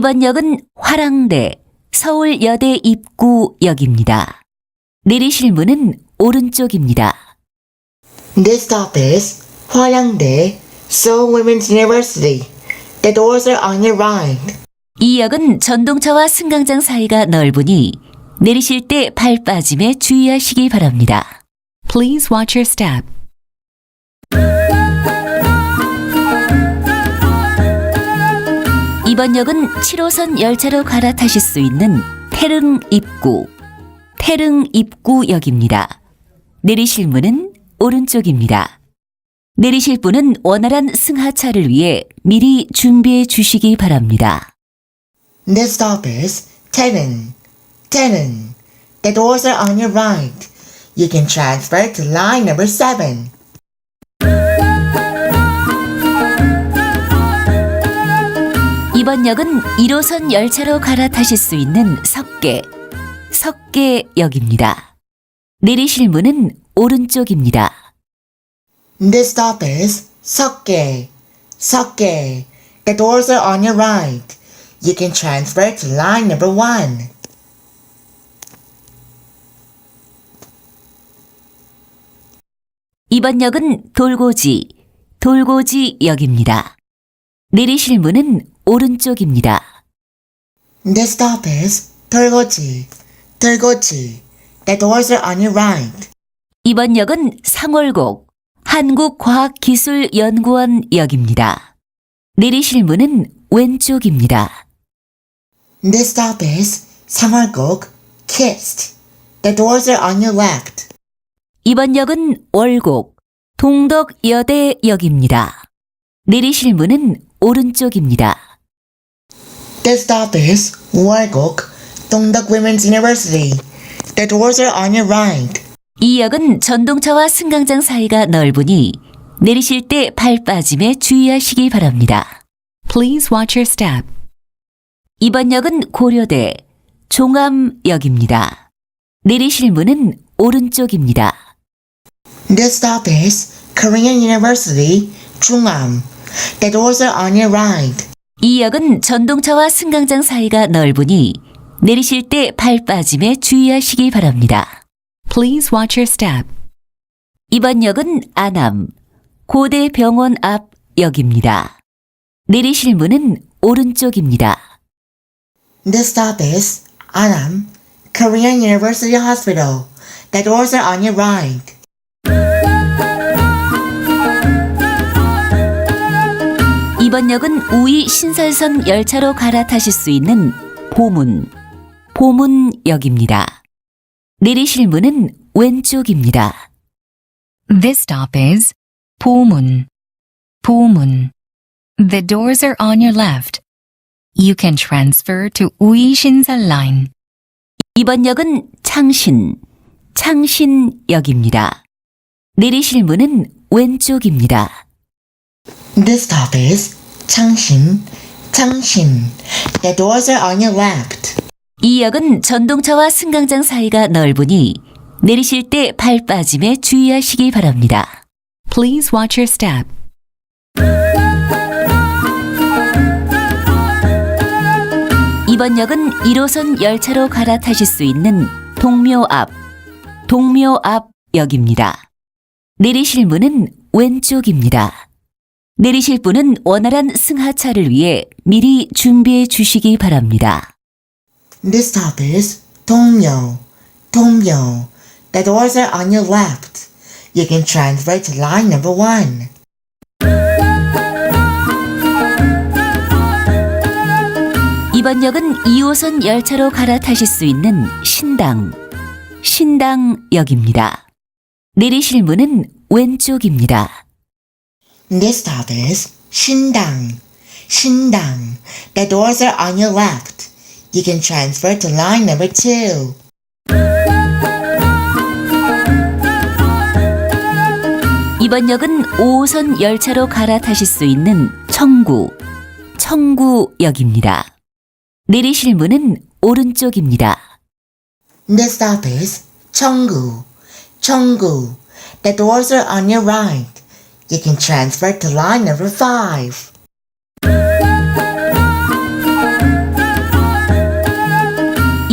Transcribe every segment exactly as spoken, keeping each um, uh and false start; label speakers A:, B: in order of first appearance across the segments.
A: 이번 역은 화랑대 서울여대 입구역입니다. 내리실 문은 오른쪽입니다.
B: This stop is Hwaryangdae Seoul Women's University. The doors are on your right.
A: 이 역은 전동차와 승강장 사이가 넓으니 내리실 때 발 빠짐에 주의하시기 바랍니다.
C: Please watch your step.
A: 이번 역은 칠 호선 열차로 갈아타실 수 있는 태릉 입구, 태릉 입구역입니다. 내리실 문은 오른쪽입니다. 내리실 분은 원활한 승하차를 위해 미리 준비해 주시기 바랍니다.
B: This stop is Taereung. Taereung. The doors are on your right. You can transfer to line number seven.
A: 이번 역은 일 호선 열차로 갈아타실 수 있는 석계, 석계역입니다. 내리실 문은 오른쪽입니다.
B: This stop is Seokgae. Seokgae. The doors are on your right. You can transfer to line number one.
A: 이번 역은 돌고지, 돌고지역입니다. 내리실 문은 오른쪽입니다.
B: This stop is Dolgoji. Dolgoji. The doors are on your right.
A: 이번 역은 상월곡, 한국과학기술연구원역입니다. 내리실 문은 왼쪽입니다.
B: This stop is Samulguk. Kissed. The doors are on your left.
A: 이번 역은 월곡, 동덕여대역입니다. 내리실 문은 오른쪽입니다.
B: This stop is Walguk. Dongdeok Women's University. The doors are on your right.
A: 이 역은 전동차와 승강장 사이가 넓으니 내리실 때 발 빠짐에 주의하시기 바랍니다.
C: Please watch your step.
A: 이번 역은 고려대 종암역입니다. 내리실 문은 오른쪽입니다.
B: This stop is Korean University. Chungam. The doors are on your right.
A: 이 역은 전동차와 승강장 사이가 넓으니 내리실 때 발 빠짐에 주의하시기 바랍니다.
C: Please watch your step.
A: 이번 역은 안암 고대병원 앞역입니다. 내리실 문은 오른쪽입니다.
B: This stop is Anam. Korean University Hospital. The doors are on your right.
A: 이번 역은 우이 신설선 열차로 갈아타실 수 있는 보문, 보문역입니다. 내리실 문은 왼쪽입니다.
C: This stop is Pomun. Pomun. The doors are on your left. You can transfer to Ui Shinsal Line.
A: 이번 역은 창신, 창신역입니다. 내리실 문은 왼쪽입니다.
B: This stop is Changshin. Changshin. The doors are on your left.
A: 이 역은 전동차와 승강장 사이가 넓으니 내리실 때 발 빠짐에 주의하시기 바랍니다.
C: Please watch your step.
A: 이번 역은 일 호선 열차로 갈아타실 수 있는 동묘 앞, 동묘 앞역입니다. 내리실 문은 왼쪽입니다. 내리실 분은 원활한 승하차를 위해 미리 준비해 주시기 바랍니다.
B: This stop is Dongmyo. Dongmyo. The doors are on your left. You can transfer to line number one.
A: 이번 역은 이 호선 열차로 갈아타실 수 있는 신당, 신당역입니다. 내리실 문은 왼쪽입니다.
B: This stop is Shindang. Shindang. The doors are on your left. You can transfer to line number two.
A: 이번 역은 오 호선 열차로 갈아타실 수 있는 청구, 청구역입니다. 내리실 문은 오른쪽입니다.
B: This stop is Cheonggu. Cheonggu. The doors are on your right. You can transfer to line number five.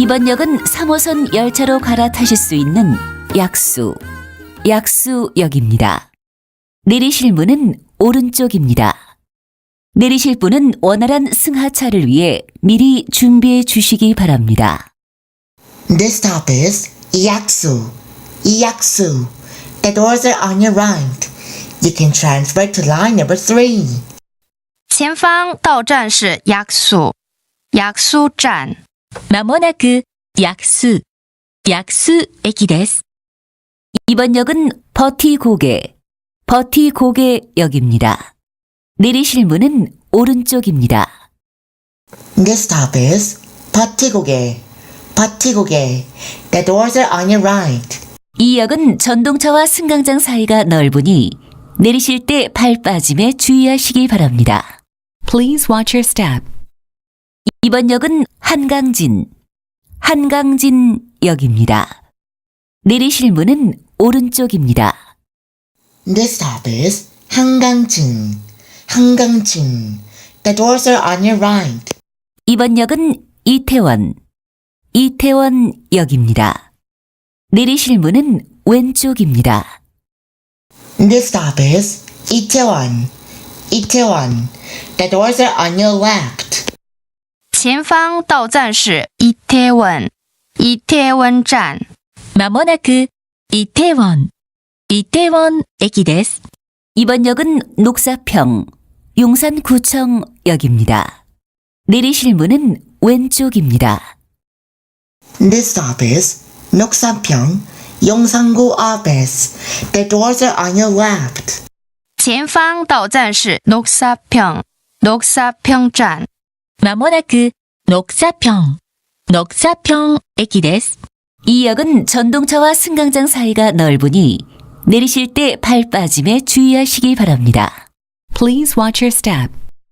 A: 이번 역은 삼 호선 열차로 갈아타실 수 있는 약수, 약수역입니다. 내리실 문은 오른쪽입니다. 내리실 분은 원활한 승하차를 위해 미리 준비해 주시기 바랍니다.
B: This stop is Yaksu. Yaksu. The doors are on your right. You can transfer to line number three.
D: 前方到站是 약수, 약수站.
A: まもなく 약수, 약수駅です. 이번 역은 버티고개, 버티고개역입니다. 내리실 문은 오른쪽입니다.
B: This stop is Patigoge. Patigoge. The doors are on your right.
A: 이 역은 전동차와 승강장 사이가 넓으니 내리실 때 발 빠짐에 주의하시기 바랍니다. Please watch your step. 이번 역은 한강진, 한강진역입니다. 내리실 문은 오른쪽입니다.
B: This stop is Hangangjin. Hangangjin. The doors are on your right.
A: 이번 역은 이태원, 이태원역입니다. 내리실 문은 왼쪽입니다.
B: This stop is Itaewon. Itaewon. The doors are on your left.
D: 前方到站是 이태원, 이태원站.
A: まもなく 이태원, 이태원駅です. 이번 역은 녹사평, 용산구청역입니다. 내리실 문은 왼쪽입니다.
B: This stop is Noksanpyeong, Yongsan-gu office. The doors are on your left.
D: 前方到站是 녹사평, 녹사평站.
A: まもなく 녹사평, 녹사평駅です. 이 역은 전동차와 승강장 사이가 넓으니 내리실 때 발 빠짐에 주의하시기 바랍니다. Please watch your step.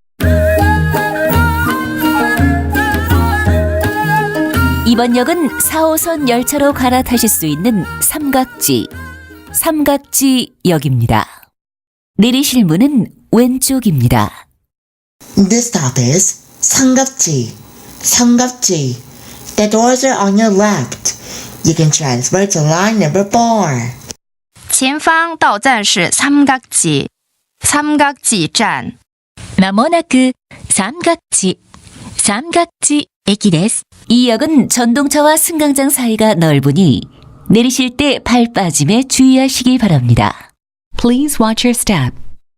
A: 이번 역은 사 호선 열차로 갈아타실 수 있는 삼각지, 삼각지역입니다. 내리실 문은 왼쪽입니다.
B: This stop is Sangapji. Sangapji. The doors are on your left. You can transfer to line number four.
D: 前方到站是 삼각지, 삼각지站.
A: まもなく 삼각지, 삼각지駅です. 이 역은 전동차와 승강장 사이가 넓으니 내리실 때 발 빠짐에 주의하시기 바랍니다. Please watch your step.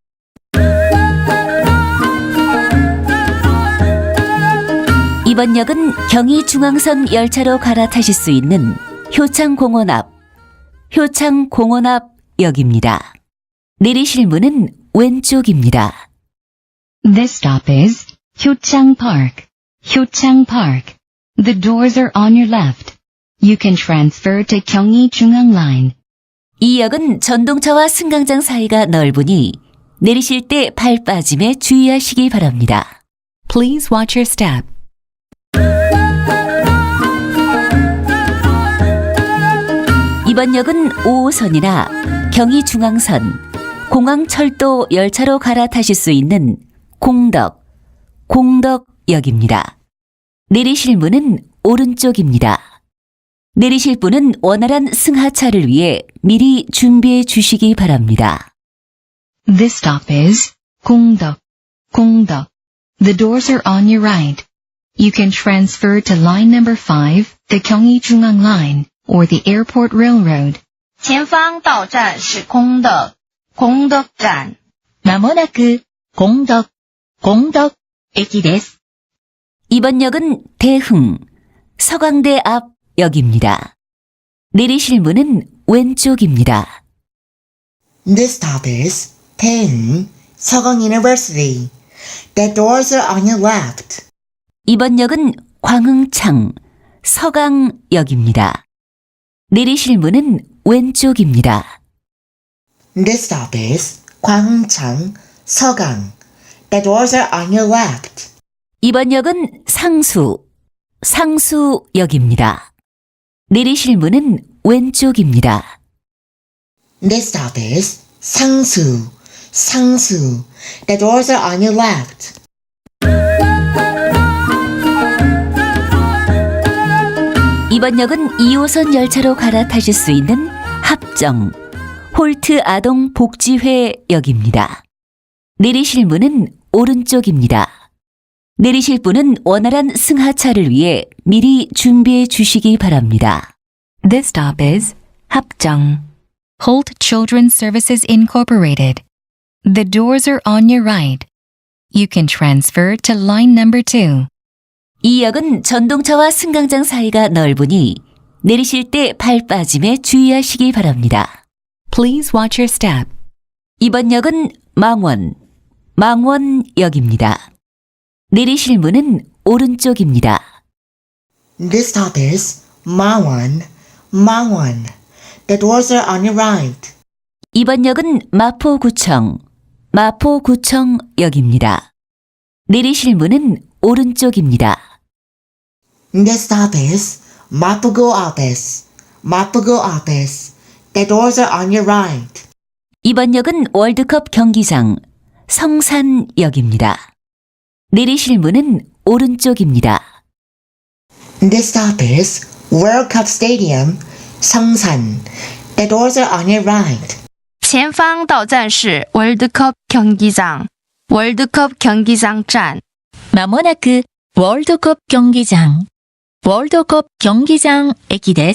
A: 이번 역은 경의중앙선 열차로 갈아타실 수 있는 효창공원 앞, 효창공원 앞 역입니다. 내리실 문은 왼쪽입니다.
C: This stop is Hyochang Park. Hyochang Park. The doors are on your left. You can transfer to Gyeonggi-Jungang Line.
A: 이 역은 전동차와 승강장 사이가 넓으니 내리실 때 발 빠짐에 주의하시기 바랍니다. Please watch your step. 이번 역은 오 호선이나 경의중앙선, 공항철도 열차로 갈아타실 수 있는 공덕, 공덕역입니다. 내리실 문은 오른쪽입니다. 내리실 분은 원활한 승하차를 위해 미리 준비해 주시기 바랍니다.
C: This stop is Gongdeok. Gongdeok. The doors are on your right. You can transfer to line number five, the Gyeonggi-Jungang Line, or the Airport Railroad.
D: 前方到站是 공덕, 공덕站.
A: まもなく 공덕, 공덕駅です. 이번 역은 대흥, 서강대 앞 역입니다. 내리실 문은 왼쪽입니다.
B: This stop is Daeheung, Seogang University. The doors are on your left.
A: 이번 역은 광흥창, 서강역입니다. 내리실 문은 왼쪽입니다.
B: This stop is Gwanghchang, Seogang. The doors are on your left.
A: 이번 역은 상수, 상수역입니다. 내리실 문은 왼쪽입니다.
B: This stop is Sangsu, Sangsu. The doors are on your left.
A: 이번 역은 이 호선 열차로 갈아타실 수 있는 합정 홀트 아동 복지회 역입니다. 내리실 문은 오른쪽입니다. 내리실 분은 원활한 승하차를 위해 미리 준비해 주시기 바랍니다.
C: This stop is 합정, Holt Children's Services Incorporated. The doors are on your right. You can transfer to line number two.
A: 이 역은 전동차와 승강장 사이가 넓으니 내리실 때 발 빠짐에 주의하시기 바랍니다.
C: Please watch your step.
A: 이번 역은 망원, 망원역입니다. 내리실 문은 오른쪽입니다.
B: This stop is Mangwon, Mangwon. The doors are on your right.
A: 이번 역은 마포구청, 마포구청역입니다. 내리실 문은 오른쪽입니다.
B: This stop is Mapugo office, Mapugo office. The doors are on your right.
A: 이번 역은 월드컵 경기장, 성산역입니다. 내리실 문은 오른쪽입니다.
B: This stop is World Cup Stadium, Songsan. The doors are on your right.
D: 前方到站是 월드컵 경기장, 월드컵 경기장站.
E: まもなくワールドカップ競技場、ワールドカップ競技場駅です。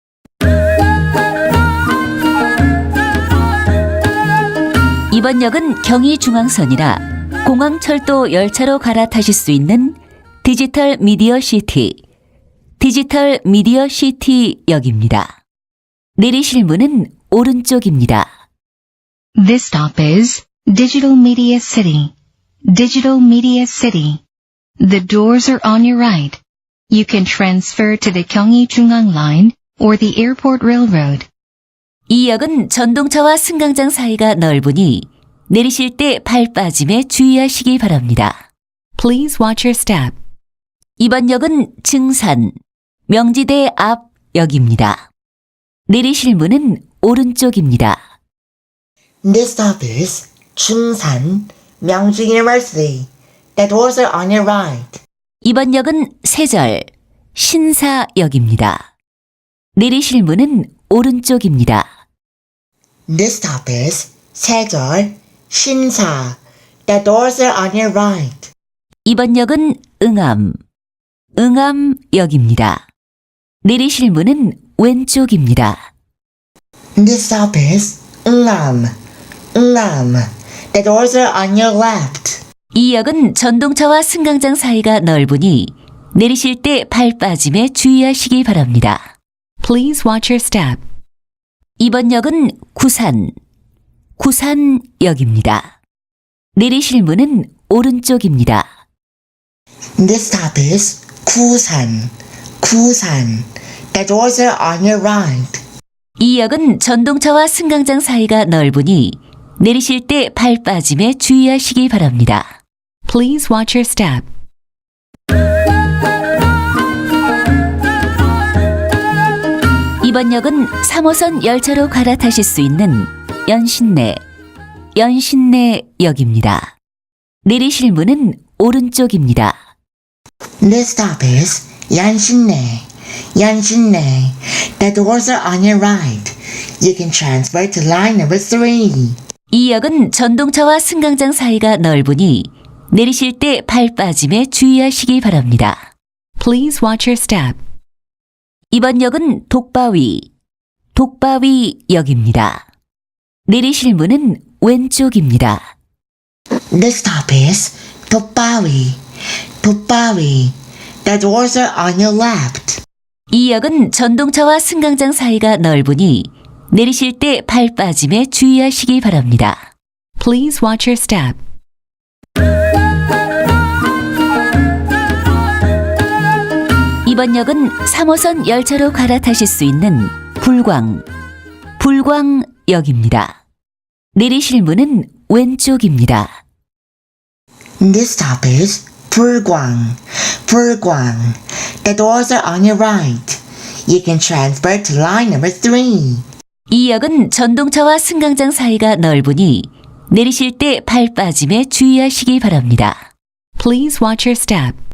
A: 이번 역은 경의중앙선이라 공항철도 열차로 갈아타실 수 있는 디지털 미디어 시티, 디지털 미디어 시티 역입니다. 내리실 문은 오른쪽입니다.
C: This stop is Digital Media City, Digital Media City. The doors are on your right. You can transfer to the Gyeonggi-Jungang Line or the Airport Railroad.
A: 이 역은 전동차와 승강장 사이가 넓으니 내리실 때 발 빠짐에 주의하시기 바랍니다.
C: Please watch your step.
A: 이번 역은 증산, 명지대 앞 역입니다. 내리실 문은 오른쪽입니다.
B: This stop is Chungsan, Myeongju University. The doors are on your right.
A: 이번 역은 세절, 신사역입니다. 내리실 문은 오른쪽입니다.
B: This stop is Sejol, Shinsa. The doors are on your right.
A: 이번 역은 응암, 응암역입니다. 내리실 문은 왼쪽입니다.
B: This stop is Ungnam, Ungnam. The doors are on your left.
A: 이 역은 전동차와 승강장 사이가 넓으니 내리실 때 발 빠짐에 주의하시기 바랍니다.
C: Please watch your step.
A: 이번 역은 구산, 구산역입니다. 내리실 문은 오른쪽입니다.
B: This stop is Kusan, Kusan. The doors are on your right.
A: 이 역은 전동차와 승강장 사이가 넓으니 내리실 때 발 빠짐에 주의하시기 바랍니다.
C: Please watch your step.
A: 이번 역은 삼 호선 열차로 갈아타실 수 있는 연신내, 연신내역입니다. 내리실 문은 오른쪽입니다.
B: This stop is Yanshinne, Yanshinne. The doors are on your right. You can transfer to line number three.
A: 이 역은 전동차와 승강장 사이가 넓으니 내리실 때 발 빠짐에 주의하시기 바랍니다.
C: Please watch your step.
A: 이번 역은 독바위, 독바위역입니다. 내리실 문은 왼쪽입니다.
B: This stop is Topawi, Topawi. The doors are on your left.
A: 이 역은 전동차와 승강장 사이가 넓으니 내리실 때 발 빠짐에 주의하시기 바랍니다.
C: Please watch your step.
A: 이번 역은 삼 호선 열차로 갈아타실 수 있는 불광, 불광역입니다. 내리실 문은 왼쪽입니다.
B: This stop is Pulguang, Pulguang. The doors are on your right. You can transfer to line number three.
A: 이 역은 전동차와 승강장 사이가 넓으니 내리실 때 발 빠짐에 주의하시기 바랍니다.
C: Please watch your step.